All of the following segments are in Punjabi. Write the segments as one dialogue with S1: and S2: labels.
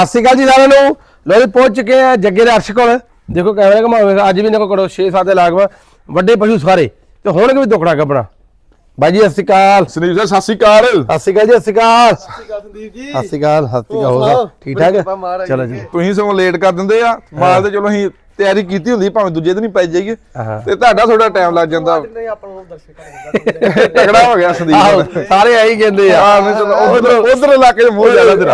S1: ਸਤਿ ਸ਼੍ਰੀ ਅਕਾਲ ਜੀ ਸਾਰਿਆਂ ਨੂੰ। ਲੋ ਜੀ ਪਹੁੰਚ ਚੁੱਕੇ ਆ ਜੱਗੇ ਦੇ ਅਰਸ਼ ਕੋਲ। ਦੇਖੋ ਕੈਮਰਾ ਘਮਾਵੇਗਾ ਅੱਜ ਵੀ ਇਹਨਾਂ ਕੋਲ 6-7 ਦੇ ਲਾਗਵਾ ਵੱਡੇ ਪਸ਼ੂ ਸਾਰੇ ਤੇ ਹੋਣਗੇ ਵੀ ਦੁੱਖੜਾ ਕੱਢਣਾ। ਬਾਈ ਜੀ ਸਤਿ ਸ਼੍ਰੀ ਅਕਾਲ।
S2: ਸੰਦੀਪ ਜੀ ਸਤਿ ਸ਼੍ਰੀ ਅਕਾਲ।
S1: ਸਤਿ ਸ਼੍ਰੀ ਅਕਾਲ ਜੀ। ਸਤਿ ਸ਼੍ਰੀ ਅਕਾਲ।
S3: ਸੰਦੀਪ ਜੀ
S1: ਸਤਿ ਸ਼੍ਰੀ ਅਕਾਲ। ਸਤਿ ਸ਼੍ਰੀ ਅਕਾਲ। ਹੋਗਾ ਠੀਕ ਠਾਕ ਚਲੋ ਜੀ।
S2: ਤੁਸੀਂ ਸਗੋਂ ਲੇਟ ਕਰ ਦਿੰਦੇ ਆ ਮਾਲ ਤੇ ਚਲੋ ਅਸੀਂ ਤਿਆਰੀ ਕੀਤੀ ਹੁੰਦੀ ਭਾਵੇਂ ਦੂਜੇ ਦਿਨ ਹੀ ਪੈ ਜਾਈਏ ਤੇ ਤੁਹਾਡਾ ਥੋੜਾ ਟਾਈਮ ਲੱਗ ਜਾਂਦਾ। ਤਗੜਾ ਹੋ ਗਿਆ ਸੰਦੀਪ
S1: ਸਾਰੇ ਆਈ ਕਹਿੰਦੇ ਆ
S2: ਉਧਰ ਇਲਾਕੇ ਦੇ ਮੋਹ ਜ਼ਿਆਦਾ ਤੇਰਾ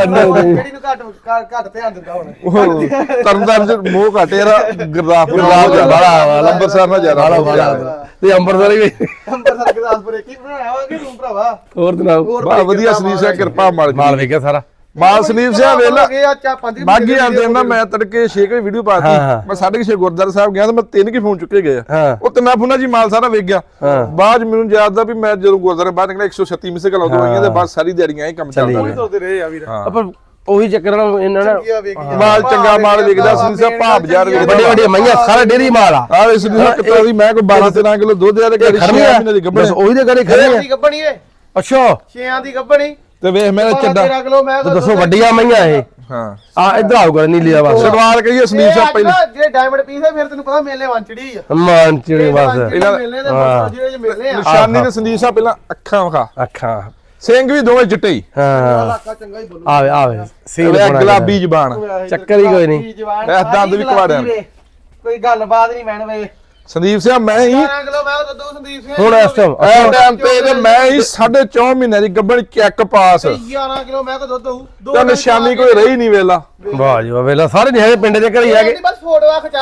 S3: ਘੱਟ ਧਿਆਨ ਦਿੰਦਾ ਹੁਣ
S2: ਤਰਨਤਾਰਨ ਚ ਮੋਹ ਘਟੇ ਰਾ ਗੁਰਦਾਸਪੁਰ ਬੜਾ ਅੰਮ੍ਰਿਤਸਰ ਨਾਲ ਜ਼ਿਆਦਾ
S1: ਤੇ ਅੰਮ੍ਰਿਤਸਰ ਵੀ
S3: ਅੰਮ੍ਰਿਤਸਰ ਗੁਰਦਾਸਪੁਰ ਕੀ ਬਣਾਇਆ ਹੋਗੇ ਤੂੰ ਭਰਾਵਾ
S1: ਹੋਰ ਸੁਣਾਓ।
S2: ਬਾ ਵਧੀਆ ਸੰਦੀਪ ਸਿੰਘ ਕਿਰਪਾ
S1: ਮਾਲ ਵੇਖਿਆ ਸਾਰਾ
S2: ਮਾਲ ਸੰਦੀਪ ਸਿੰਘ ਵੇਲਾ
S3: ਪੰਜ
S2: ਬਾਗੀ ਆਂਦੇ ਨਾ ਮੈਂ ਤੜਕੇ 6 ਵਜੇ ਵੀਡੀਓ ਪਾਤੀ ਮੈਂ 6:30 ਗੁਰਦੁਆਰਾ ਸਾਹਿਬ ਗਿਆ ਤਾਂ ਮੈਂ 3 ਕੀ ਫੋਨ ਚੁੱਕੇ ਗਏ ਉਹ ਤਿੰਨਾ ਫੋਨਾਂ ਜੀ ਮਾਲ ਸਾਰਾ ਵੇਖ ਗਿਆ। ਬਾਅਦ ਮੈਨੂੰ ਯਾਦ ਦਾ ਵੀ ਮੈਂ ਜਦੋਂ ਗੁਰਦੁਆਰੇ ਬਾਹਰ ਨਿਕਲਿਆ 136 ਮਿਸੇ ਕਲ ਆਉਂਦੇ ਹੋਈਆਂ ਤੇ ਬਾਅਦ ਸਾਰੀ ਦਿਹਾੜੀਆਂ ਇਹ ਕੰਮ ਚੱਲਦਾ ਰਿਹਾ।
S3: ਤੁਰਦੇ ਰਹੇ ਆ ਵੀਰ
S1: ਪਰ ਉਹੀ ਚੱਕਰ ਨਾਲ ਇਹਨਾਂ ਨੇ
S2: ਮਾਲ ਚੰਗਾ ਮਾਲ ਵੇਖਦਾ ਸੰਦੀਪ ਸਿੰਘ ਭਾਵ ਬਾਜ਼ਾਰ ਵੇਖਦਾ
S1: ਵੱਡੇ ਵੱਡੇ ਮਈਆਂ ਸਾਰਾ ਡੇਰੀ ਮਾਲ ਆ।
S2: ਆ ਇਸ ਨੂੰ ਕਿਤਾ ਦੀ ਮੈਂ ਕੋਈ 12-13 ਕਿਲੋ ਦੁੱਧ ਆ ਤੇ ਘਰੇ 6 ਮਹੀਨੇ ਦੀ ਗੱਭਣ
S1: ਉਹੀ ਦੇ ਘਰੇ ਖੜੇ ਆ।
S3: ਦੀ ਗੱਬਣੀ ਏ
S1: ਅੱਛਾ
S3: 6ਾਂ ਦੀ ਗੱਬਣੀ
S2: ਤੇ ਵੇਖ ਮੇਰਾ ਚੱਡਾ
S3: 13 ਕਿਲੋ ਮੈਂ
S1: ਦੱਸੋ ਵੱਡੀਆਂ ਮਈਆਂ ਇਹ
S2: ਹਾਂ
S1: ਆ ਇਧਰ ਆਓ ਕਰ ਨੀਲੀ ਆ ਬਸ
S2: ਸ਼ੁਰੂਆਤ ਕਹੀਏ ਸੰਦੀਪ ਸਿੰਘ ਪਹਿਲੇ
S3: ਜਿਹੜੇ ਡਾਇਮੰਡ ਪੀਸ ਹੈ ਫਿਰ ਤੈਨੂੰ ਪਤਾ ਮੇਲੇ ਵੰਚੜੀ ਆ
S1: ਮਾਨ ਚਿੜੀ ਬਸ
S3: ਮੇਲੇ ਦੇ ਜਿਹੜੇ ਮੇਲੇ ਆ
S2: ਨਿਸ਼ਾਨੀ ਤੇ ਸੰਦੀਪ ਸਿੰਘ ਪਹਿਲਾਂ ਅੱਖਾਂ ਵਿਖਾ
S1: ਅੱਖਾਂ
S2: ਸਿੰਘ ਵੀ ਦੋਵੇਂ ਚਿੱਟੇ ਹੀ
S1: ਹਾਂ
S3: ਇਲਾਕਾ ਚੰਗਾ ਹੀ ਬੋਲੂ
S1: ਆਵੇ ਆਵੇ ਸੀਲ
S2: ਵੇ
S1: ਬਣਾ
S2: ਗੁਲਾਬੀ ਜ਼ਬਾਨ
S1: ਚੱਕਰ ਹੀ ਕੋਈ ਨਹੀਂ।
S2: ਇਹ ਦੰਦ ਵੀ ਕਵਾੜਿਆ
S3: ਕੋਈ ਗੱਲਬਾਤ ਨਹੀਂ ਮੈਨ ਵੇ
S2: ਸੰਦੀਪ ਸਿੰਘ ਮੈਂ ਹੀ
S3: 12 ਕਿਲੋ ਮੈਂ ਦੁੱਧ ਸੰਦੀਪ ਸਿੰਘ
S1: ਹੁਣ ਇਸ ਟਾਈਮ
S2: ਐ ਟਾਈਮ ਤੇ ਮੈਂ ਹੀ 4.5 ਮਹੀਨੇ ਦੀ ਗੱਭਣ ਚੈੱਕ ਪਾਸ
S3: 11 ਕਿਲੋ ਮੈਂ ਕੋ ਦੁੱਧ ਹੋਊ
S2: ਤੇ ਨਿਸ਼ਾਨੀ ਕੋਈ ਰਹੀ ਨਹੀਂ ਵੇਲਾ
S1: ਵਾਹ ਜੀ ਵਾਹ ਵੇਲਾ ਸਾਰੇ ਨਹੀਂ ਹੈਗੇ ਪਿੰਡ ਦੇ ਘਰ ਹੀ ਹੈਗੇ।
S3: ਬਸ ਫੋਟੋਆਂ ਖਿਚਾ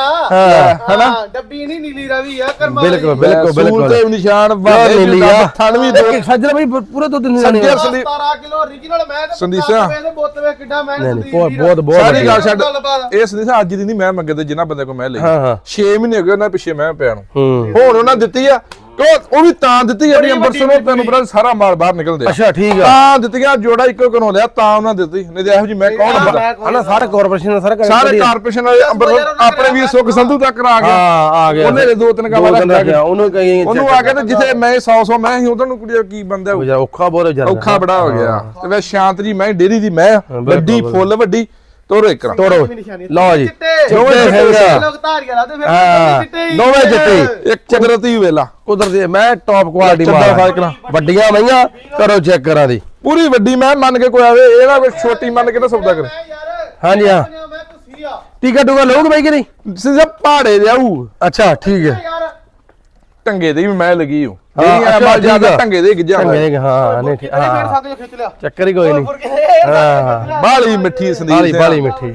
S2: ਹਨਾ
S3: ਡੱਬੀ ਨਹੀਂ ਨੀਲੀ ਰਵੀ ਆ ਕਰਮਾ
S1: ਬਿਲਕੁਲ ਬਿਲਕੁਲ
S2: ਸੂਲ ਤੇ
S1: ਬਿਲਕੁਲ
S2: ਨਿਸ਼ਾਨ
S1: ਨੀਲੀ ਆ
S2: ਥਣ ਵੀ ਦੋ
S1: ਸੱਜਣ ਬਈ ਪੂਰਾ ਦੁੱਧ ਨਹੀਂ ਲੈਣੇ।
S3: 17 ਕਿਲੋ origignal ਮੈਂ ਤੇ
S2: ਸੰਦੀਪ ਸਿੰਘ
S3: ਵੇ ਬੋਤ ਵੇ ਕਿੱਡਾ ਮੈਂ
S1: ਨਹੀਂ ਬਹੁਤ ਬਹੁਤ
S2: ਸਾਰੀ ਗੱਲ ਛੱਡ
S3: ਗੱਲਬਾਤ
S2: ਇਹ ਸੰਦੀਪ ਸਿੰਘ ਅੱਜ ਦੀ ਨਹੀਂ ਮੈਂ ਮੰਗੇ ਤੇ ਜਿੰਨਾ ਬੰਦੇ ਕੋ ਮੈਂ ਲਈ
S1: ਹਾਂ ਹਾਂ
S2: 6 ਮਹੀਨੇ ਹੋ ਗਏ ਉਹਨਾਂ ਪਿੱਛੇ ਮੈਂ ਪਿਆ ਨੂੰ
S1: ਹੂੰ
S2: ਹੁਣ ਉਹਨਾਂ ਦਿੱਤੀ ਆ ਉਹ ਵੀ ਤਾਂ ਦਿੱਤੀ ਜਿਹੜੀ ਅੰਬਰਸਰ ਨੂੰ ਤੈਨੂੰ ਪਤਾ ਸਾਰਾ ਮਾਲ ਬਾਹਰ ਨਿਕਲਦੇ
S1: ਅੱਛਾ ਠੀਕ ਆ
S2: ਤਾਂ ਦਿੱਤੀਆਂ ਜੋੜਾ ਇੱਕੋ ਘਰੋਂ ਲਿਆ ਤਾਂ ਉਹਨਾਂ ਦਿੱਤੀ ਨਹੀਂ ਤੇ ਇਹੋ ਜੀ ਮੈਂ ਕੌਣ
S1: ਹਨਾ ਸਾਰੇ ਕਾਰਪੋਰੇਸ਼ਨ ਦਾ ਸਾਰਾ
S2: ਸਾਰੇ ਕਾਰਪੋਰੇਸ਼ਨ ਵਾਲੇ ਅੰਬਰਸਰ ਆਪਣੇ ਵੀਰ ਸੁਖ ਸੰਧੂ ਤੱਕ ਆ ਗਿਆ
S1: ਹਾਂ ਆ ਗਿਆ
S2: ਉਹਨੇ ਦੋ ਤਿੰਨ ਕਾਵਾਂ ਰੱਖਿਆ
S1: ਉਹਨੂੰ ਕਹੀ
S2: ਉਹਨੂੰ ਆ ਕੇ ਤੇ ਜਿੱਥੇ ਮੈਂ 100 ਮੈਂ ਹੀ ਉਧਰ ਨੂੰ ਕੁੜੀ ਕੀ ਬੰਦਾ
S1: ਯਾਰ ਔਖਾ ਬਹੁਤ ਜ਼ਿਆਦਾ
S2: ਔਖਾ ਬੜਾ ਹੋ ਗਿਆ ਤੇ ਵੇ ਸ਼ਾਂਤ ਜੀ ਮੈਂ ਡੇਰੀ ਦੀ ਮੈਂ ਵੱਡੀ ਫੁੱਲ ਵੱਡੀ ਤੋੜੋ ਇੱਕ
S1: ਤੋੜੋ ਲਓ ਜੀ
S2: ਦੋਵੇਂ ਹੈਗਾ
S3: ਲੋਕ ਧਾਰੀਆਂ ਲਾਦੇ ਫਿਰ
S1: ਹਾਂ ਦੋਵੇਂ ਚਿੱਟੇ
S2: ਇੱਕ ਕੁਦਰਤੀ ਵੇਲਾ
S1: ਕੁਦਰਤੀ ਮੈਂ ਟੌਪ ਕੁਆਲਿਟੀ ਮਾਲ ਵੱਡੀਆਂ ਮਈਆਂ ਕਰੋ ਚੈੱਕ ਕਰਾਂ ਦੀ
S2: ਪੂਰੀ ਵੱਡੀ ਮੈਂ ਮੰਨ ਕੇ ਕੋਈ ਆਵੇ ਇਹ ਨਾ ਕੋਈ ਛੋਟੀ ਮੰਨ ਕੇ ਨਾ ਸੌਦਾ ਕਰੇ
S1: ਹਾਂਜੀ ਹਾਂ
S3: ਮੈਂ ਤੁਸੀਂ ਆ
S1: ਟੀਕਾ ਟੂਕਾ ਲਓਗੇ ਬਾਈ ਕਿ ਨਹੀਂ
S2: ਸਿੱਧਾ ਪਹਾੜੇ ਦੇ ਆਊ
S1: ਅੱਛਾ ਠੀਕ ਹੈ
S3: ਯਾਰ
S2: ਟੰਗੇ ਦੇ ਵੀ ਮੈਂ ਲੱਗੀ ਹੂੰ
S1: ਅੱਛਾ,
S2: ਜਿਹੜੀ ਜਿਆਦਾ ਟੰਗੇ ਦੇ ਗਿੱਜਾ
S1: ਚੰਗੇ ਹਾਂ ਨਹੀਂ ਠੀਕ
S3: ਫਿਰ
S1: ਹਾਂ
S3: ਸਾਡੇ ਖਿੱਚ ਲਿਆ
S1: ਚੱਕਰ ਹੀ ਕੋਈ ਨਹੀਂ
S3: ਹਾਂ
S2: ਬਾਲੀ ਮਿੱਠੀ ਸੰਦੀਪ
S1: ਬਾਲੀ ਮਿੱਠੀ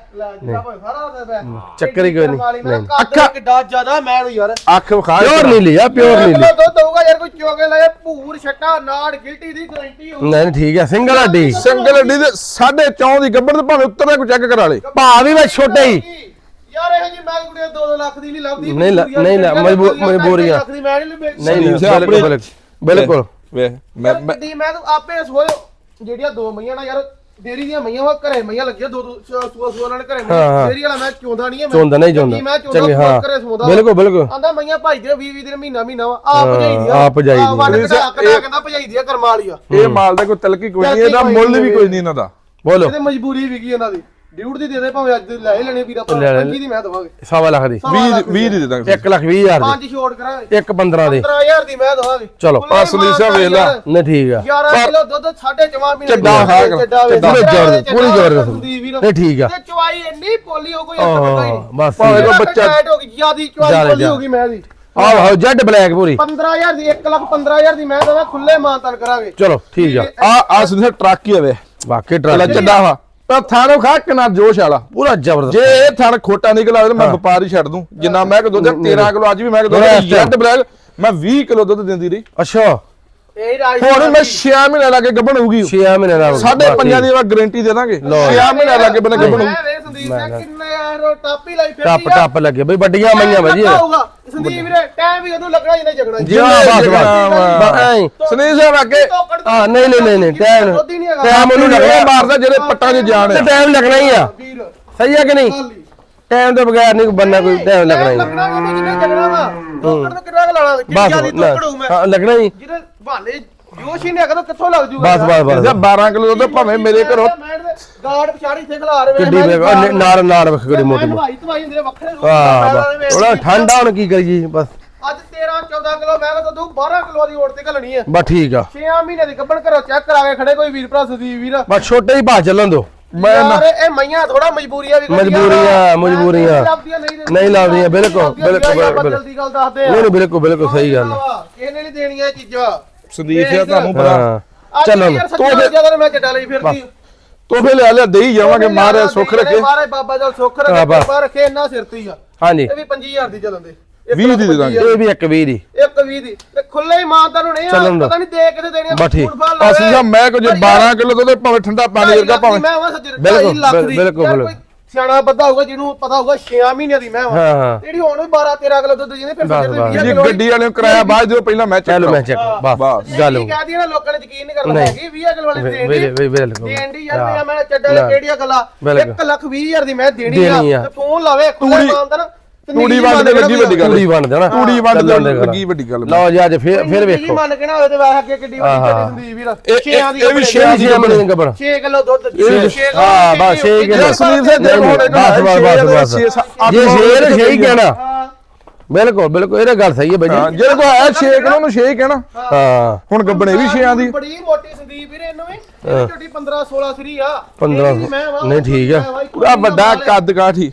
S1: ਚੱਕਰ ਹੀ ਕੋਈ ਨਹੀਂ
S3: ਅੱਖਾਂ ਕਿੱਡਾ ਜ਼ਿਆਦਾ ਮੈਂ ਯਾਰ
S2: ਅੱਖ ਵਿਖਾ
S1: ਪਿਓਰ ਨਹੀਂ ਲਿਆ ਪਿਓਰ ਨਹੀਂ ਲਿਆ
S3: ਦੁੱਧ ਹੋਊਗਾ ਯਾਰ ਕੋਈ ਚੋਗੇ ਲਾਇਆ ਭੂਰ ਛੱਟਾ ਨਾੜ ਗਿਲਟੀ ਦੀ ਗਾਰੰਟੀ ਹੋਊ
S1: ਨਹੀਂ ਠੀਕ ਹੈ ਸਿੰਗਲ ਹੱਡੀ
S2: ਸਿੰਗਲ ਅੱਡੀ ਦੇ 4.5 ਦੀ ਗੱਬੜ ਤੇ ਭਾਵੇਂ ਉੱਤਰ ਕੋਈ ਚੈੱਕ ਕਰਾ ਲੇ
S1: ਭਾ ਵੀ ਮੈਂ ਛੋਟੇ ਹੀ
S3: ਯਾਰ ਇਹ ਜੀ ਮੈਂ ਕੁੜੀ 2 ਲੱਖ ਦੀ ਨਹੀਂ ਲੱਭਦੀ
S1: ਨਹੀਂ ਮਜਬੂਰੀ ਆ
S3: ਲੱਖ ਦੀ ਮੈਂ ਨਹੀਂ
S1: ਨਹੀਂ ਬਿਲਕੁਲ
S2: ਵੇ ਮੈਂ
S3: ਵੱਡੀ ਮੈਂ ਤੂੰ ਆਪੇ ਸੋਇਓ ਜਿਹੜੀਆਂ 2 ਮਈਆਂ ਨਾ ਯਾਰ ਡੇਰੀ ਦੀਆਂ ਮਈਆਂ ਵਾ ਘਰੇ ਮਈਆਂ ਲੱਗੀਆਂ 2 ਸੂਆ ਨਾਲ ਘਰੇ ਡੇਰੀ ਵਾਲਾ ਮੈਂ ਚੋਂਦਾ ਨਹੀਂ
S1: ਚੋਂਦਾ ਨਹੀਂ ਚੋਂਦਾ ਚੰਗੇ ਹਾਂ ਬਿਲਕੁਲ
S3: ਆਂਦਾ ਮਈਆਂ ਭਾਈਦੇ 20 ਦਿਨ ਮਹੀਨਾ ਵਾ ਆਪ ਭਜਾਈਦੀ ਆ
S1: ਆਪ ਭਜਾਈਦੀ
S3: ਕਹਿੰਦਾ ਭਜਾਈਦੀ ਆ ਕਰਮਾਂ ਵਾਲੀ ਆ
S2: ਇਹ ਮਾਲ ਦਾ ਕੋਈ ਤਲਕੀ ਕੋਈ ਨਹੀਂ ਇਹਦਾ ਮੁੱਲ ਵੀ ਕੋਈ ਨਹੀਂ ਇਹਨਾਂ ਦਾ
S1: ਬੋਲੋ
S3: ਇਹਦੇ ਮਜਬੂਰੀ ਵੀ ਕੀ ਇਹਨਾਂ ਦੀ ਡਿਊਟ ਦੀ ਦੇ ਦੇ ਭਾਵੇਂ ਅੱਜ ਲੈ ਲੈਣੇ ਵੀਰਾ ਪੰਜੀ ਦੀ ਮੈਂ ਦਵਾਂਗੇ
S1: 1.5 ਲੱਖ ਦੀ
S2: 20 ਦੀ ਦੇ ਦਾਂਗੇ
S1: 1,20,000 ਦੀ
S3: ਪੰਜ ਛੋੜ ਕਰਾਂਗੇ
S1: 1,15 ਦੀ
S3: 15000 ਦੀ ਮੈਂ ਦਵਾਂਗੇ
S1: ਚਲੋ
S2: ਸੰਦੀਸਾ ਵੇਖ ਲੈ
S1: ਨਹੀਂ ਠੀਕ ਆ
S3: 11 ਕਿਲੋ ਦੁੱਧ 4.5 ਮਹੀਨੇ
S2: ਚੱਡਾ
S1: ਪੂਰੀ ਜ਼ੋਰ ਨਹੀਂ ਠੀਕ ਆ
S3: ਤੇ ਚਵਾਈ ਇੰਨੀ ਪੋਲੀ ਹੋ ਕੋਈ ਇੱਕ ਬੰਦਾ ਹੀ ਨਹੀਂ
S1: ਬਸ
S2: ਭਾਵੇਂ ਕੋਈ ਬੱਚਾ
S3: ਹੋ ਗਈ ਜਿਆਦੀ ਚਵਾਈ ਪੋਲੀ ਹੋ ਗਈ ਮੈਂ ਦੀ
S1: ਆਹੋ ਜੈਡ ਬਲੈਕ ਪੂਰੀ
S3: 15000 ਦੀ 1,15,000 ਦੀ ਮੈਂ ਦਵਾਂ ਖੁੱਲੇ ਮਾਨਤਨ ਕਰਾਂਗੇ
S1: ਚਲੋ ਠੀਕ ਆ
S2: ਆ ਸੰਦੀਸਾ ਟਰੱਕ ਹੀ ਆਵੇ
S1: ਵਾਕਈ
S2: ਚੱਲਾ
S1: ਟਰੱਕ
S2: ਚੱਡਾ ਵਾ ਪਰ ਥਾਣੋ ਖਾ ਕਿੰਨਾ ਜੋਸ਼ ਵਾਲਾ
S1: ਪੂਰਾ ਜ਼ਬਰਦਸਤ
S2: ਜੇ ਇਹ ਥਣ ਖੋਟਾ ਨਿਕਲ ਆਵੇ ਤਾਂ ਮੈਂ ਵਪਾਰ ਹੀ ਛੱਡ ਦੂੰ ਜਿੰਨਾ ਮੈਂ ਕਿ ਦੁੱਧ 13 ਕਿਲੋ ਅੱਜ ਵੀ ਮੈਂ ਕਿ ਦੁੱਧ ਜੈਡ ਬਲੈਕ ਮੈਂ 20 ਕਿਲੋ ਦੁੱਧ ਦਿੰਦੀ ਰਹੀ
S1: ਅੱਛਾ
S3: ਇਹ ਰਾਜ
S2: ਹੁਣ ਮੈਂ 6 ਮਹੀਨੇ ਲਾ ਕੇ ਗੱਭਣ ਹੋਊਗੀ
S1: 6 ਮਹੀਨੇ ਦਾ
S2: 5.5 ਦੀ ਮੈਂ ਗਾਰੰਟੀ ਦੇ ਦਾਂਗੇ 6 ਮਹੀਨੇ ਲਾ ਕੇ ਬਣੇ ਗੱਭਣ
S3: ਮੈਂ ਵੇ ਸੰਦੀਪ ਸਿੰਘ ਕਿੰਨਾ ਯਾਰ ਟਾਪ ਹੀ ਲਾਈ ਫਿਰਦੀ
S1: ਟੱਪ ਲੱਗੇ ਬਈ ਵੱਡੀਆਂ ਮਈਆਂ ਵਜੀ
S3: ਸੰਦੀਪ ਵੀਰੇ ਟਾਈਮ ਵੀ ਉਹਨੂੰ ਲੱਗਣਾ ਜਿੰਨੇ ਜਗਣਾ
S1: ਜੀ ਬਸ
S2: ਸੁਨੀਲ ਸਾਹਿਬ ਅੱਗੇ
S1: ਹਾਂ ਨਹੀਂ ਟਾਈਮ ਉਹਨੂੰ
S2: ਲੱਗਣਾ ਮਾਰਦਾ ਜਿਹੜੇ ਪੱਟਾਂ 'ਚ ਜਾਣ ਆ
S1: ਟਾਈਮ ਲੱਗਣਾ ਹੀ ਆ
S3: ਵੀਰ
S1: ਸਹੀ ਆ ਕਿ ਨਹੀਂ ਟਾਈਮ ਤੋਂ ਬਗੈਰ ਨਹੀਂ ਬੰਨਾ ਕੋਈ ਟਾਈਮ ਲੱਗਣਾ ਹੀ
S3: ਲੱਗਣਾ ਕਿ ਜਿੰਨੇ ਜਗਣਾ ਵਾ ਟੋਕੜ ਤੇ ਕਿੰਨਾ ਲਾਣਾ
S1: ਬਸ
S3: ਜਿਆਦਾ ਟੋਕੜੂ ਮੈਂ
S1: ਹਾਂ ਲੱਗਣਾ ਹੀ
S3: ਜਿਹੜੇ ਬਹਾਨੇ ਜੋਸ਼ ਹੀ ਨਹੀਂ ਅਗਰ ਕਿੱਥੋਂ ਲੱਗ ਜੂਗਾ
S1: ਬਸ
S2: 12 ਕਿਲੋ ਦੁੱਧ ਭਾਵੇਂ ਮੇਰੇ ਘਰੋਂ
S3: ਗਾਰਡ ਪਛਾੜੀ ਇੱਥੇ ਖਲਾ ਰਹੇ
S1: ਕਿੱਡੀ ਨਾਲ ਵੇਖ ਕਿਹੜੀ ਮੋਟੀ
S3: ਨਵਾਈ ਤਵਾਈ ਹੁੰਦੇ ਵੱਖਰੇ ਰੂਪ
S1: ਉਹਦਾ ਠੰਡਾ ਹੁਣ ਕੀ ਕਰੀਏ ਬਸ
S3: ਅੱਜ 13 14 ਕਿਲੋ ਮੈਂ ਤਾਂ ਤੂੰ 12 ਕਿਲੋ ਦੀ ਓਟ ਤੇ ਘਲਣੀ ਹੈ
S1: ਬਸ ਠੀਕ ਆ
S3: 6 ਮਹੀਨੇ ਦੀ ਗੱਬਣ ਘਰੋਂ ਚੈੱਕ ਕਰਾ ਕੇ ਖੜੇ ਕੋਈ ਵੀਰ ਭਰਾ ਸੁਦੀਪ ਵੀਰ
S1: ਬਸ ਛੋਟੇ ਹੀ ਭਾ ਚੱਲਣ ਦੋ
S3: ਯਾਰ ਇਹ ਮਈਆਂ ਥੋੜਾ ਮਜਬੂਰੀਆਂ ਵੀ
S1: ਮਜਬੂਰੀਆਂ ਨਹੀਂ ਲਾਉਂਦੀਆਂ ਬਿਲਕੁਲ
S3: ਜਲਦੀ ਗੱਲ ਦੱਸਦੇ ਆ
S1: ਨਹੀਂ ਬਿਲਕੁਲ ਸਹੀ ਗੱਲ
S3: ਕਿਸੇ ਨੇ ਨਹੀਂ ਦੇਣੀਆਂ ਇਹ ਚੀਜ਼ਾਂ
S2: ਸੰਦੀਪ ਜੀ ਤੁਹਾਨੂੰ ਪਤਾ
S1: ਚਲੋ
S3: ਜਦੋਂ ਮੈਂ ਚੱਡਾ ਲਈ ਫਿਰਦੀ
S2: ਤੋਹਫੇ ਲੈ ਦੇਈ ਜਾਵਾਂਗੇ ਮਹਾਰਾਜ ਸੁੱਖ ਰੱਖੇ
S3: ਮਹਾਰਾਜ ਬਾਬਾ ਜਲ ਸੁੱਖ ਰੱਖੇ ਬਾਬਾ ਰੱਖੇ ਇੰਨਾ ਸਿਰ ਤੇ ਹੀ ਆ
S1: ਹਾਂਜੀ
S3: ਇਹ ਵੀ 25000 ਦੀ ਚੱਲਣ ਦੇ
S2: 20 ਦੀ ਦੇ ਦਾਂਗੇ
S1: ਇਹ ਵੀ 120 ਦੀ
S3: 120 ਦੀ ਤੇ ਖੁੱਲੇ ਹੀ ਮਾਂ ਤੁਹਾਨੂੰ ਨਹੀਂ ਪਤਾ ਨਹੀਂ ਦੇ ਕਿਤੇ ਦੇਣੀ
S1: ਬਸ ਠੀਕ।
S2: ਅਸੀਂ ਜਾਂ ਮੈਂ ਕੁਝ 12 ਕਿਲੋ ਦੁੱਧ ਭਾਵੇਂ ਠੰਡਾ ਪਾਣੀ ਵਰਗਾ ਭਾਵੇਂ
S3: ਮੈਂ ਆਵਾਂ ਸੱਜਰ
S1: ਬਿਲਕੁਲ,
S3: 2.5 ਲੱਖ ਦੀ
S1: ਬਿਲਕੁਲ,
S3: ਯਾਰ ਕੋਈ ਸਿਆਣਾ ਬੱਦਾ ਹੋਊਗਾ ਜਿਹਨੂੰ ਪਤਾ ਹੋਊਗਾ 6 ਮਹੀਨਿਆਂ ਦੀ ਮੈਂ
S1: ਹਾਂ, ਹਾਂ।
S3: ਜਿਹੜੀ ਹੁਣ ਵੀ 12 13 ਕਿਲੋ ਦੁੱਧ ਜਿਹਨੇ ਫਿਰ ਸੱਜਰ ਦੇ 20
S2: ਜੀ
S3: ਕਿਲੋ
S2: ਗੱਡੀ ਵਾਲੇ ਨੂੰ ਕਿਰਾਇਆ ਬਾਅਦ ਜਦੋਂ ਪਹਿਲਾਂ ਮੈਂ
S1: ਚਲੋ ਮੈਂ
S2: ਚੱਕ
S1: ਚੱਕ ਬਸ ਗੱਲ ਹੋ
S3: ਕਹਦੀ ਨਾ ਲੋਕਾਂ ਨੇ ਯਕੀਨ ਨਹੀਂ ਕਰਨਾ ਹੈਗੀ 20 ਕਿਲੋ ਵਾਲੀ ਦੇਣ ਦੀ
S1: ਬਿਲਕੁਲ
S3: ਦੇਣ ਦੀ ਯਾਰ ਮੈਂ ਚੱਡਾ ਲੈ ਕਿਹੜੀਆਂ ਗੱਲਾਂ 1,20,000 ਦੀ ਮੈਂ ਦੇਣੀ
S1: ਦੇਣੀ
S3: ਆ
S1: ਆ।
S3: ਤੇ ਫੋਨ ਲਾਵੇ ਖੁੱਲੇ ਮਾਨਦਾਰ
S2: ਤੂੜੀ ਵੰਡ ਦੇ ਲੱਗੀ ਵੱਡੀ ਗੱਲ
S1: ਤੂੜੀ ਬਣ ਦੇਣਾ
S2: ਤੂੜੀ ਵੰਡ ਦੇ ਲੱਗੀ ਵੱਡੀ ਗੱਲ
S1: ਲਓ ਜੀ ਅੱਜ ਫਿਰ ਵੇਖੋ
S3: ਮੰਨ ਕੇ ਨਾ ਹੋਵੇ ਤੇ ਵਾਹ ਅੱਗੇ ਕਿੱਡੀ ਵੱਡੀ ਚੱਡੀ ਸੰਦੀਪ ਵੀਰ
S2: ਇਹ ਵੀ
S1: 6 ਦੀ ਬਣੀ ਗੱਬਣ
S3: 6 ਕਿਲੋ ਦੁੱਧ
S1: ਹਾਂ ਬਸ 6 ਕਿਲੋ
S2: ਸੰਦੀਪ ਸਾਹਿਬ ਜੇ ਹੁਣ
S1: ਬਸ ਜੇ ਸ਼ੇਰ ਸਹੀ ਕਹਿਣਾ ਬਿਲਕੁਲ ਇਹ ਗੱਲ ਸਹੀ ਹੈ ਬਾਈ ਜੀ
S2: ਜਿਹੜੇ ਕੋ ਹੈ 6 ਕਿਲੋ ਨੂੰ 6 ਕਹਿਣਾ
S1: ਹਾਂ
S2: ਹੁਣ ਗੱਬਣੇ ਵੀ 6 ਦੀ
S3: ਬੜੀ ਮੋਟੀ ਸੰਦੀਪ ਵੀਰ ਇਹਨੂੰ ਵੀ ਇਹ ਝੋਟੀ 15 16 ਸਰੀ ਆ
S1: 15 ਨਹੀਂ ਠੀਕ ਆ
S2: ਪੂਰਾ ਵੱਡਾ ਕੱਦ ਕਾਠੀ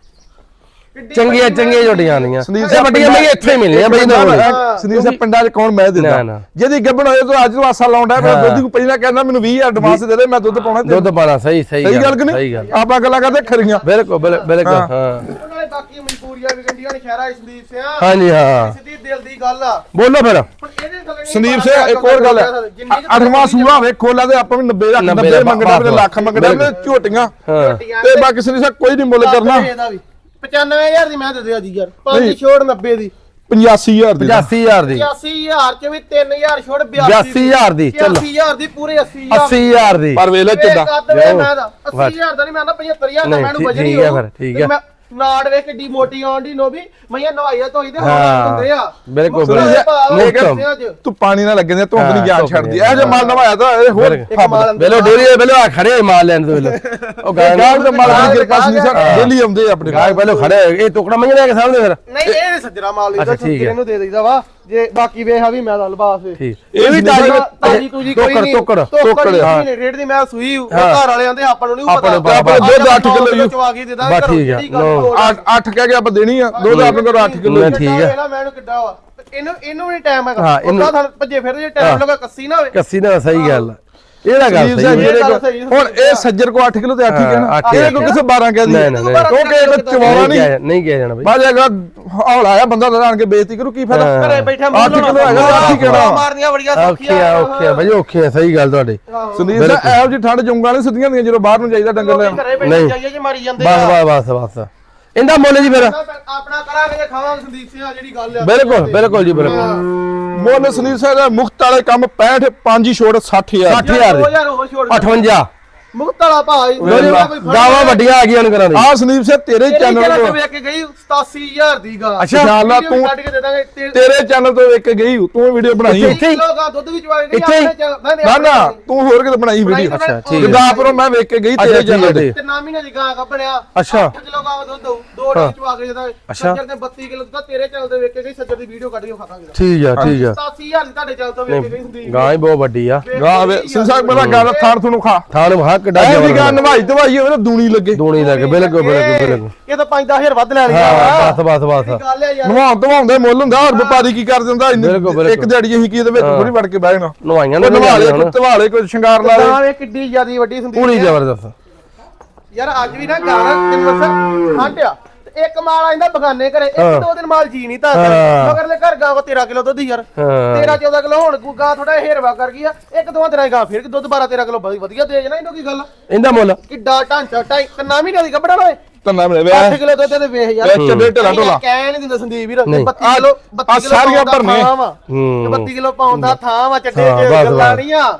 S1: ਚੰਗੀਆਂ ਝੋਟੀਆਂ ਆਉਂਦੀਆਂ
S2: ਸੰਦੀਪ
S1: ਇਹ ਵੱਡੀਆਂ ਮੈਂ ਇੱਥੇ ਹੀ ਮਿਲਣੀਆਂ ਬਾਈ ਨਾ
S2: ਸੰਦੀਪ ਸਾਹਿਬ ਪਿੰਡਾਂ 'ਚ ਕੌਣ ਮੈਂ ਦਿੰਦਾ ਜਿਹਦੀ ਗੱਬਣ ਹੋਏ ਤੂੰ ਅੱਜ ਨੂੰ ਆਸਾ ਲਾਉਂਦਾ ਮੈਂ ਦੁੱਧ ਨੂੰ ਪਹਿਲਾਂ ਕਹਿੰਦਾ ਮੈਨੂੰ 20 ਐਡਵਾਂਸ ਦੇ ਦੇ ਮੈਂ ਦੁੱਧ ਪਾਉਣਾ
S1: ਦੁੱਧ ਪਾਣਾ ਸਹੀ
S2: ਗੱਲ ਕਿ ਨਹੀਂ ਆਪਾਂ ਗੱਲਾਂ ਕਰਦੇ ਖਰੀਆਂ
S1: ਬਿਲਕੁਲ ਹਾਂ
S3: ਨਾਲੇ ਬਾਕੀ ਮਜਬੂਰੀਆਂ ਵੀ ਗੰਡੀਆਂ ਨੇ ਸ਼ਹਿਰਾਂ ਦੇ ਸੰਦੀਪ ਸਿੰਘ
S1: ਹਾਂਜੀ ਹਾਂ
S3: ਸਿੱਧੀ ਦਿਲ ਦੀ ਗੱਲ ਆ
S1: ਬੋਲੋ ਫਿਰ
S2: ਸੰਦੀਪ ਸਿੰਘ ਇੱਕ ਹੋਰ ਗੱਲ ਹੈ 8ਵਾਂ ਸੂਆ ਵੇਖੋ ਲਾ ਤੇ ਆਪਾਂ ਵੀ 90 ਲੱਖ 90 ਮੰਗਣਾ ਤੇ ਲੱਖ ਮੰਗਣਾ ਤੇ ਝੋਟੀਆਂ ਤੇ ਬਾਕੀ ਸੰਦੀਪ ਸਿੰਘ ਕੋਈ ਨਹੀਂ ਮੁੱਲ ਕਰਨਾ
S3: 95000 ਦੀ ਮੈਂ ਦੇ ਦਿਆ ਜੀ ਯਾਰ 5 ਛੋੜ 90 ਦੀ
S2: 85000 ਦੀ
S1: 85000 ਦੀ
S3: 85000 ਚ ਵੀ 3000 ਛੋੜ
S1: 82000 ਦੀ ਚਲੋ
S3: 80000 ਦੀ ਪੂਰੇ
S1: 80000 ਦੀ
S2: ਪਰ ਵੇਲੇ ਚੱਡਾ
S3: 80000 ਦਾ 80000 ਦਾ ਨਹੀਂ ਮੈਂ 75000 ਦਾ ਮੈਨੂੰ ਵਜਣੀ
S1: ਠੀਕ ਹੈ ਫਿਰ ਠੀਕ ਹੈ
S3: ਨਾੜ ਵੇ ਕਿੱਡੀ ਮੋਟੀ ਆਉਂਦੀ ਨੋ ਵੀ ਮਈਆਂ ਨਵਾਈਆ ਧੋਈ ਦੇ ਹੁੰਦੇ ਆ
S1: ਬਿਲਕੁਲ
S2: ਤੂੰ ਪਾਣੀ ਨਾਲ ਲੱਗੇ ਨੇ ਧੁੰਦ ਨਹੀਂ ਜਾਨ ਛੱਡਦੀ ਇਹ ਜੇ ਮਾਲ ਨਵਾਇਆ ਤਾਂ ਇਹ ਹੋਰ
S1: ਵੇਲੋ ਡੇਰੀ ਵੇਲੋ ਆ ਖੜੇ ਮਾਲ ਲੈਣ ਤੋਂ ਵੇਲੋ ਉਹ
S2: ਗਾਂ ਦੇ ਮਾਲ ਦੀ ਕਿਰਪਾ ਸੀ ਸਰ ਡੇਲੀ ਆਉਂਦੇ ਆਪਣੇ
S1: ਗਾਂ ਪਹਿਲਾਂ ਖੜੇ ਇਹ ਟੁਕੜਾ ਮੰਗ ਲੈ ਕੇ ਸਾਹਮਣੇ ਫਿਰ
S3: ਨਹੀਂ ਇਹ ਸੱਜਰਾ ਮਾਲ ਲਈ ਤਾਂ ਇਹਨੂੰ ਦੇ ਦਈਦਾ ਵਾ ਜੇ ਬਾਕੀ ਵੇਖ ਆ ਵੀ ਮੈਂ ਲਬਾਸ
S1: ਠੀਕ ਇਹ ਵੀ
S3: ਤਾਜੀ ਤੂਜੀ ਕੋਈ ਨਹੀਂ
S1: ਟੋਕੜ
S3: ਹਾਂ ਰੇਟ ਦੀ ਮੈਂ ਸੂਈ ਘਰ ਵਾਲੇ ਆਂਦੇ ਆਪਾਂ ਨੂੰ ਨਹੀਂ ਪਤਾ
S2: ਆਪਾਂ ਦੁੱਧ 8 ਕਿਲੋ
S3: ਚਵਾ ਕੇ ਦੇ ਦਾਂ
S1: ਬਸ ਠੀਕ ਆ
S2: 8 ਕਹਿ ਕੇ ਆਪਾਂ ਦੇਣੀ ਆ ਦੁੱਧ ਆਪਣੇ ਕੋਲ 8 ਕਿਲੋ
S1: ਠੀਕ ਆ
S3: ਮੈਨੂੰ ਕਿੱਡਾ ਵਾ ਇਹਨੂੰ ਨਹੀਂ ਟਾਈਮ ਹੈਗਾ ਉਹਦਾ ਸਾਨੂੰ ਭੱਜੇ ਫਿਰ ਜੇ ਟਾਈਮ ਲੱਗਾ ਕੱਸੀ ਨਾ ਹੋਵੇ
S1: ਕੱਸੀ ਨਾ ਸਹੀ ਗੱਲ ਇਹਦਾ ਗੱਲ ਸਹੀ
S2: ਹੁਣ ਇਹ ਸੱਜਰ ਕੋ 8 ਕਿਲੋ ਤੇ 8 ਹੀ ਕਹਿਣਾ ਇਹ ਕੋ ਕਿਸੇ 12 ਕਹਿ ਦੀ ਕਿਉਂਕਿ ਇਹ ਚਵਾਉਣਾ
S1: ਨਹੀਂ ਕਿਹਾ ਜਾਣਾ ਬਈ
S2: ਬਾਜ ਹੈਗਾ ਹੌਲਾ ਆਇਆ ਬੰਦਾ ਆਣ ਕੇ ਬੇਇੱਜ਼ਤੀ ਕਰੂ ਕੀ ਫਾਇਦਾ
S3: ਘਰੇ ਬੈਠਾ
S2: 8 ਕਿਲੋ ਹੈਗਾ 8 ਹੀ ਕਹਿਣਾ
S3: ਮਾਰਨੀਆਂ ਬੜੀਆਂ
S1: ਔਖੀਆਂ ਬਈ ਔਖੀਆਂ ਸਹੀ ਗੱਲ ਤੁਹਾਡੀ
S2: ਸੰਦੀਪ ਸਾਹਿਬ ਇਹੋ ਜਿਹੀ ਠੰਡ ਜੁੰਗਾਂ ਨੇ ਸਿੱਧੀਆਂ ਦੀਆਂ ਜਦੋਂ ਬਾਹਰ ਨੂੰ ਜਾਈਦਾ ਡੰਗਰ ਲੈ
S3: ਨਹੀਂ ਜਾਈਏ ਜੇ ਮਾਰੀ ਜਾਂਦੇ
S1: ਬਸ ਇਹਦਾ ਮੁੱਲ ਜੀ ਫਿਰ
S3: ਆਪਣਾ ਕਰਾਂਗੇ ਜੇ ਖਾਵਾਂਗੇ ਸੰਦੀਪ ਸਿੰਘ ਆ ਜਿਹੜੀ ਗੱਲ ਆ
S1: ਬਿਲਕੁਲ ਜੀ ਬਿਲਕੁਲ
S2: ਮੁੱਲ ਸੰਦੀਪ ਸਾਹਿਬ ਦਾ ਮੁਖਤ ਵਾਲੇ ਕੰਮ 65 5 ਛੋੜ 60000
S1: 60000 58
S3: ਮੁਕਤ ਵਾਲਾ ਭਾਈ
S1: ਗਾਵਾਂ ਵੱਡੀਆਂ ਆ ਗਈਆਂ ਕਰਾਂ
S2: ਆ ਸੰਦੀਪ ਸਿੰਘ ਤੇਰੇ ਚੈਨਲ ਤੋਂ
S3: ਵੇਖ ਕੇ ਗਈ 87000 ਦੀ ਗਾ
S2: ਅੱਛਾ ਇਨਸ਼ਾਅੱਲਾ ਤੂੰ
S3: ਕੱਢ ਕੇ ਦੇ ਦਾਂਗੇ
S2: ਤੇਰੇ ਚੈਨਲ ਤੋਂ ਵੇਖ ਕੇ ਗਈ ਤੂੰ ਵੀਡੀਓ ਬਣਾਈ
S3: ਲੋਕਾਂ ਦੁੱਧ ਵੀ ਚਵਾ ਕੇ ਗਈ
S2: ਨਾ ਤੂੰ ਹੋਰ ਕਿਤੇ ਬਣਾਈ ਵੀਡੀਓ
S1: ਅੱਛਾ ਠੀਕ
S2: ਗੁਰਦਾਸਪੁਰੋਂ ਮੈਂ ਵੇਖ ਕੇ ਗਈ ਤੇਰੇ ਚੈਨਲ ਤੇ
S3: ਤੇ ਨਾ ਮਹੀਨੇ ਦੀ ਗਾਂ ਕੱਢਿਆ
S1: ਅੱਛਾ
S3: 8 ਕਿਲੋ ਗਾਂ ਦੁੱਧ ਦੋ ਡੇ ਚਵਾ ਕੇ ਦੇ ਦਾਂਗੇ ਸੱਜਰ ਦੇ 32 ਕਿਲੋ ਦੁੱਧ ਤੇਰੇ ਚੈਨਲ ਤੇ ਵੇਖ ਕੇ ਗਈ ਸੱਜਰ ਦੀ ਵੀਡੀਓ ਕੱਢ ਕੇ ਖਾਵਾਂਗੇ
S1: ਠੀਕ ਆ
S3: 87000 ਦੀ ਤੁਹਾਡੇ ਚੈਨਲ ਤੋਂ ਵੇਖ ਕੇ ਗਈ ਹੁੰਦੀ
S1: ਗਾਂ ਹੀ ਬਹੁਤ ਵੱਡੀ ਆ
S2: ਗਾਂ ਵੇ ਸਿੰਸਾਕ ਮੇਰਾ ਗਾਂ ਥਾਰ ਤੁਹਾਨੂੰ ਖਾ
S1: ਥਾਣ ਵਹਾ ਕਿੱਡਾ
S2: ਇਹ ਵੀ ਗਾਂ ਨਵਾਈ ਦਵਾਈ ਹੋਵੇ ਨਾ ਦੂਣੀ ਲੱਗੇ
S1: ਦੂਣੀ ਲੱਗੇ ਬਿਲਕੁਲ
S3: ਇਹ ਤਾਂ 5-10000 ਵੱਧ ਲੈ
S1: ਹਾਂ ਬਸ
S3: ਗੱਲ ਹੈ ਯਾਰ
S2: ਨਵਾਉਂਦੇ ਮੁੱਲ ਹੁੰਦਾ ਹੋਰ ਵਪਾਰੀ ਕੀ ਕਰ ਦਿੰਦਾ ਇੱਕ ਦਿਹਾੜੀ ਅਸੀਂ ਕੀ ਇਹਦੇ ਵਿੱਚ ਥੋੜੀ ਵੜ ਕੇ ਬਹਿ ਜਾਣਾ
S1: ਨਵਾਈਆਂ
S2: ਨਵਾਲੇ ਕੋਈ ਸ਼ਿੰਗਾਰ ਲਾ
S3: ਗਾਂ ਇਹ ਕਿੱਡੀ ਜ਼ਿਆਦੀ ਵੱਡੀ ਹੁੰਦੀ
S1: ਪੂਰੀ ਜ਼ਬਰਦਸਤ
S3: ਯਾਰ ਅੱਜ ਵੀ ਨਾ ਗਾਂ ਤੈਨੂੰ ਦੱਸਾਂ ਠੰਡਿਆ ਇੱਕ ਮਾਲ ਆਂਦਾ ਬਗਾਨੇ ਘਰੇ ਇੱਕ ਦੋ ਦਿਨ ਮਾਲ ਜੀ ਨਹੀਂ ਤਾਂ ਮਗਰਲੇ ਘਰ ਗਾਂ ਕੋ 13 ਕਿਲੋ ਦੁੱਧ ਯਾਰ 13-14 ਕਿਲੋ ਹੁਣ ਗਾਂ ਥੋੜਾ ਹੇਰਵਾ ਕਰ ਗਈ ਆ ਇੱਕ ਦੋ ਦਿਨਾਂ ਗਾਂ ਫਿਰ ਦੁੱਧ 12-13 ਕਿਲੋ ਵਧੀਆ ਦੇ ਜਣਾ ਇਹਨੂੰ ਕੀ ਗੱਲ
S1: ਇਹਦਾ ਮੁੱਲ
S3: ਕਿੱਡਾ ਢਾਂਚਾ ਕਿੰਨਾ ਮਹੀਨੇ ਦੀ ਗੱਬੜਾ ਓਏ
S2: ਤੰਨਾ ਮੇਰੇ ਵੇ
S3: 8 ਕਿਲੋ ਦੁੱਧ ਤੇ ਵੇਖ ਯਾਰ
S2: ਚੱਡੇ ਢਲਾ ਢੋਲਾ
S3: ਕਹਿ ਨਹੀਂ ਦਿੰਦਾ ਸੰਦੀਪ ਵੀਰ 32 ਕਿਲੋ 32 ਕਿਲੋ
S2: ਸਾਰੀਆਂ ਭਰਨੇ
S3: 32 ਕਿਲੋ ਪਾਉਣ ਦਾ ਥਾਂ ਵਾ ਚੱਡੇ ਗੱਲਾਂ ਨਹੀਂ ਆ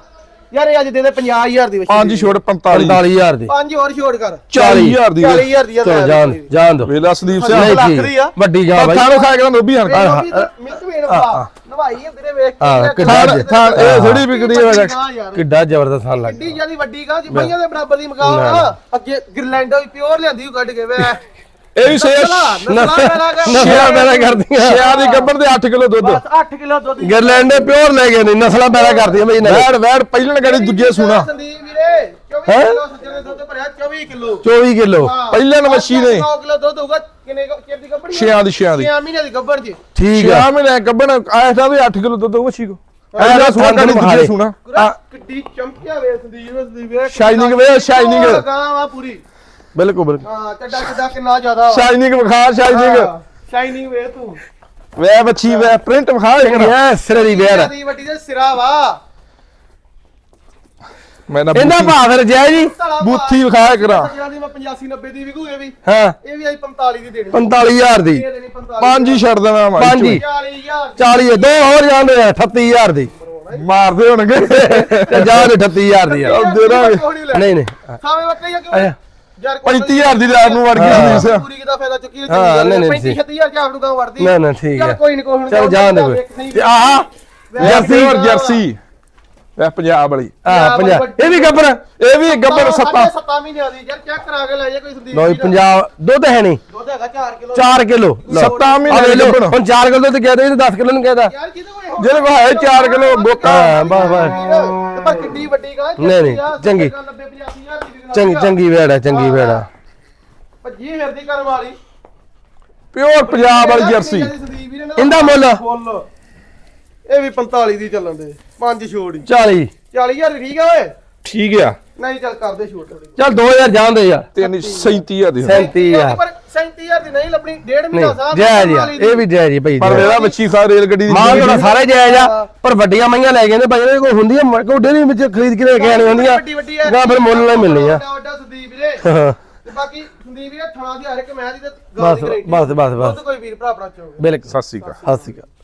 S3: ਯਾਰ ਇਹ ਅੱਜ ਦੇ ਦੇ 50000 ਦੀ ਬੱਚੀ
S2: 5 ਛੋੜ 45
S1: 45000 ਦੀ
S3: 5 ਹੋਰ ਛੋੜ ਕਰ
S2: 40000 ਦੀ
S3: 40000 ਦੀ
S1: ਚਲੋ ਜਾਣ ਦੋ
S2: ਵੇਲਾ ਸੰਦੀਪ
S3: ਨਹੀਂ,
S2: ਸਿੰਘ
S3: ਲੱਖ ਦੀ ਆ।
S1: ਵੱਡੀ ਜਾ ਬਾਈ
S2: ਥਾਣੋ ਖਾ ਕੇ ਨੋਬੀ ਹਣ
S3: ਮਿਲਕ ਵੇਣ ਪਾ ਨਵਾਈ ਵੀਰੇ ਵੇਖ
S1: ਹਾਂ,
S3: ਕੇ
S2: ਥਾਣ ਇਹ ਥੋੜੀ ਵਿਕਦੀ ਹੈ
S1: ਕਿੱਡਾ ਜ਼ਬਰਦਸਤ ਥਾਂ ਲੱਗ
S3: ਕਿੱਡੀ ਜਿਆਦੀ ਵੱਡੀ ਗਾ ਜੀ ਬਈਆਂ ਦੇ ਬਰਾਬਰ ਦੀ ਮਕਾਨ ਅੱਗੇ ਗਿਰਲੈਂਡ ਵੀ ਪਿਓਰ ਲਿਆਂਦੀ ਉਹ ਕੱਢ ਕੇ ਵੇ
S2: ਇਹ ਵੀ ਸੇ
S1: ਨਸਲਾਂ ਪੈਦਾ ਕਰਦੀਆਂ
S2: ਸ਼ਿਆ ਦੀ ਗੱਬਰ ਦੇ 8 ਕਿਲੋ ਦੁੱਧ
S3: 8 ਕਿਲੋ ਦੁੱਧ
S1: ਗਰਲੈਂਡ ਦੇ ਪਿਓਰ ਲੈ ਗਏ ਨੇ ਨਸਲਾਂ ਪੈਦਾ ਕਰਦੀਆਂ ਬਈ ਇਹਨਾਂ
S2: ਵੈੜ ਵੈੜ ਪਹਿਲਣ ਗੜੀ ਦੂਜੇ ਸੁਣਾ
S3: ਸੰਦੀਪ ਵੀਰੇ 24 ਕਿਲੋ ਸੱਜਣ ਦੇ ਦੁੱਧ ਭਰਿਆ 24 ਕਿਲੋ
S1: 24 ਕਿਲੋ
S2: ਪਹਿਲਣ ਮੱਛੀ ਨੇ
S3: 9 ਕਿਲੋ ਦੁੱਧ ਹੋਊਗਾ ਕਿੰਨੇ ਚਿਰ ਦੀ ਗੱਬੜ
S2: ਛਿਆਂ ਦੀ
S3: 6 ਮਹੀਨੇ ਦੀ ਗੱਬੜ ਜੀ
S1: ਠੀਕ ਆ
S2: 6 ਮਹੀਨੇ ਗੱਬਣ ਆਇਆ ਤਾਂ ਵੀ 8 ਕਿਲੋ ਦੁੱਧ ਮੱਛੀ ਕੋ
S1: ਇਹਦਾ
S2: ਸੁਣਾ ਗੜੀ
S1: ਤੁਹਾਨੂੰ
S2: ਦੂਜੇ ਸੁਣਾ
S3: ਕਿੱਡੀ ਚਮਕਿਆ ਵੇ ਸੰਦੀਪ ਵੇ
S2: ਸ਼ਾਈਨਿੰਗ ਵੇ ਸ਼ਾਈਨਿੰਗ
S3: ਗਾਂ ਪੂਰੀ
S1: ਬਿਲਕੁਲ ਬਿਲਕੁਲ
S3: ਹਾਂ ਚੱਡਾ ਕਿੰਨਾ ਜ਼ਿਆਦਾ
S2: ਸ਼ਾਈਨਿੰਗ ਵਿਖਾ ਸ਼ਾਈਨਿੰਗ
S3: ਸ਼ਾਈਨਿੰਗ ਵੇ ਤੂੰ
S2: ਵੇ ਬੱਚੀ ਵੇ ਪ੍ਰਿੰਟ ਵਿਖਾ
S1: ਇਹ ਸਿਰੇ ਦੀ ਵੇੜ
S3: ਦੀ ਵੱਡੀ ਦੇ ਸਿਰਾ ਵਾ
S2: ਮੈਂ ਨਾ
S1: ਇਹਦਾ ਭਾਅ ਫਿਰ ਜੈ ਜੀ
S2: ਬੂਥੀ ਵਿਖਾਇਆ ਕਰਾ
S3: ਜਿਹੜਾ ਦੀ ਮੈਂ 85 90 ਦੀ ਵਿਕੂ ਇਹ ਵੀ
S1: ਹਾਂ
S3: ਇਹ ਵੀ ਆਈ 45 ਦੀ ਦੇਣੀ
S1: 45000 ਦੀ
S3: ਇਹ ਦੇਣੀ 45
S2: ਪੰਜ ਹੀ ਛੱਡ ਦੇਣਾ ਮਾਈ
S1: ਪੰਜ ਹੀ।
S3: 40000
S1: 40 ਦੋ ਹੋਰ ਜਾਂਦੇ ਆ 38000 ਦੀ
S2: ਮਾਰਦੇ ਹੋਣਗੇ
S1: ਤੇ ਜਾਨ 38000 ਦੀ ਆ
S2: ਦੇ ਦਾਂਗੇ।
S1: ਨਹੀਂ ਨਹੀਂ
S3: ਸਾਵੇਂ ਬੱਕਰੀ ਆ ਕਿਉਂ
S1: ਆਇਆ।
S3: ਯਾਰ
S2: 35000 ਦੀ ਰਾਤ ਨੂੰ ਵੜ ਗਈ ਸੰਦੀਪ ਸਿੰਘ
S3: ਪੂਰੀ ਕਿਦਾ ਫਾਇਦਾ ਚੁੱਕੀ
S1: ਹਾਂ, ਨਹੀਂ, ਨਹੀਂ,
S3: 35 36000 ਚਾਹ ਨੂੰ ਗਾਂ ਵੜਦੀ
S1: ਨਾ ਨਾ ਠੀਕ
S3: ਚੱਲ
S1: ਹੈ
S3: ਕੋਈ ਨਹੀਂ ਕੋਈ ਹੁਣ
S1: ਚਲ ਜਾਣ ਦੇ ਕੋਈ ਤੇ ਆਹ
S2: ਜਰਸੀ ਹੋਰ ਜਰਸੀ ਵੇ ਪੰਜਾਬ ਵਾਲੀ
S1: ਆਹ ਪੰਜਾਬ ਇਹ ਵੀ ਗੱਬਰ
S2: ਇਹ ਵੀ ਗੱਬਰ ਸੱਤਾ
S3: 7 ਮਹੀਨਿਆਂ ਦੀ ਯਾਰ ਚੈੱਕ ਕਰਾ ਕੇ ਲੈ ਜਾ ਕੋਈ ਸੰਦੀਪ
S1: ਲੋ ਪੰਜਾਬ ਦੁੱਧ ਹੈ ਨਹੀਂ
S3: ਦੁੱਧ ਹੈਗਾ 4 ਕਿਲੋ
S1: 4 ਕਿਲੋ
S2: ਸੱਤਾਂ ਮਹੀਨੇ
S1: ਮਹੀਨੇ
S2: ਗੱਭਣ।
S1: ਹੁਣ 4 ਕਿਲੋ ਦੁੱਧ ਕਹਿ ਦੇ 10 ਕਿਲੋ ਨੂੰ ਕਹਿਦਾ
S3: ਯਾਰ ਜਿਹਦੇ ਕੋਲ
S2: ਜਿਹਦੇ ਕੋਲ ਹੈ 4 ਕਿਲੋ ਗੋਕਾ
S1: ਹਾਂ ਬਸ ਬਸ
S3: ਪਰ ਕਿੱਡੀ ਵੱਡੀ ਗਾਂ
S1: ਨਹੀਂ, ਨਹੀਂ, ਚੰਗੀ।
S3: 90 85000 ਦੀ
S1: ਚੰਗੀ ਚੰਗੀ ਵੇੜ ਹੈ ਚੰਗੀ ਵੇੜ ਆ
S3: ਭੱਜੀ ਫਿਰਦੀ ਕਰਨ ਵਾਲੀ
S2: ਪਿਓਰ ਪੰਜਾਬ ਵਾਲੀ ਜਰਸੀ
S1: ਇਹਦਾ ਮੁੱਲ
S3: ਇਹ ਵੀ 45 ਦੀ ਚੱਲਣ ਦੇ 5 ਛੋੜ ਹੀ
S1: 40
S3: 40000 ਠੀਕ ਆ ਓਏ
S2: ਠੀਕ ਆ
S3: ਨਹੀਂ ਚੱਲ ਕਰਦੇ ਛੋੜ ਥੋੜੀ
S1: ਚੱਲ 2000 ਜਾਂਦੇ ਯਾਰ
S2: 337 ਦੀ
S1: 37000
S3: ਪਰ 37000 ਦੀ ਨਹੀਂ ਲੱਭਣੀ ਡੇਢ
S1: ਨਹੀਂ
S3: ਮਹੀਨਾ ਸਾਹ
S1: ਜੈ ਜੀ ਇਹ ਵੀ ਜੈ ਜੀ ਭਾਈ
S2: ਪਰ ਇਹਦਾ ਬੱਚੀ ਖਾ ਰੇਲ ਗੱਡੀ ਦੀ
S1: ਮਾਂ ਤੁਹਾਡਾ ਸਾਰੇ ਜਾਇਜ਼ ਆ ਪਰ ਵੱਡੀਆਂ ਮਈਆਂ ਲੈ ਗਏ ਨੇ ਭਾਈ ਕੋਈ ਹੁੰਦੀਆਂ ਕੋਈ ਡੇਰੀ ਵਿੱਚ ਖਰੀਦ ਕੇ ਲੈ ਕੇ ਆਣੀ ਹੁੰਦੀਆਂ ਨਾ ਫਿਰ ਮੁੱਲ ਨਾਲ ਮਿਲਣੀ ਆ
S3: ਵੱਡਾ ਸੰਦੀਪ ਵੀਰੇ
S1: ਹਾਂ,
S3: ਤੇ ਬਾਕੀ ਸੰਦੀਪ ਵੀਰੇ ਥਣਾ ਦੀ ਹਰ ਇੱਕ ਮੈਂ ਦੀ ਤੇ
S1: ਬਸ ਬਸ ਬਸ ਬਸ
S3: ਕੋਈ ਵੀਰ ਭਰਾ ਆਪਣਾ ਚਾਹੋਗੇ
S1: ਬਿਲਕੁਲ
S2: ਸਤਿ ਸ਼੍ਰੀ ਅਕਾਲ
S1: ਸਤਿ ਸ਼੍ਰੀ ਅਕਾਲ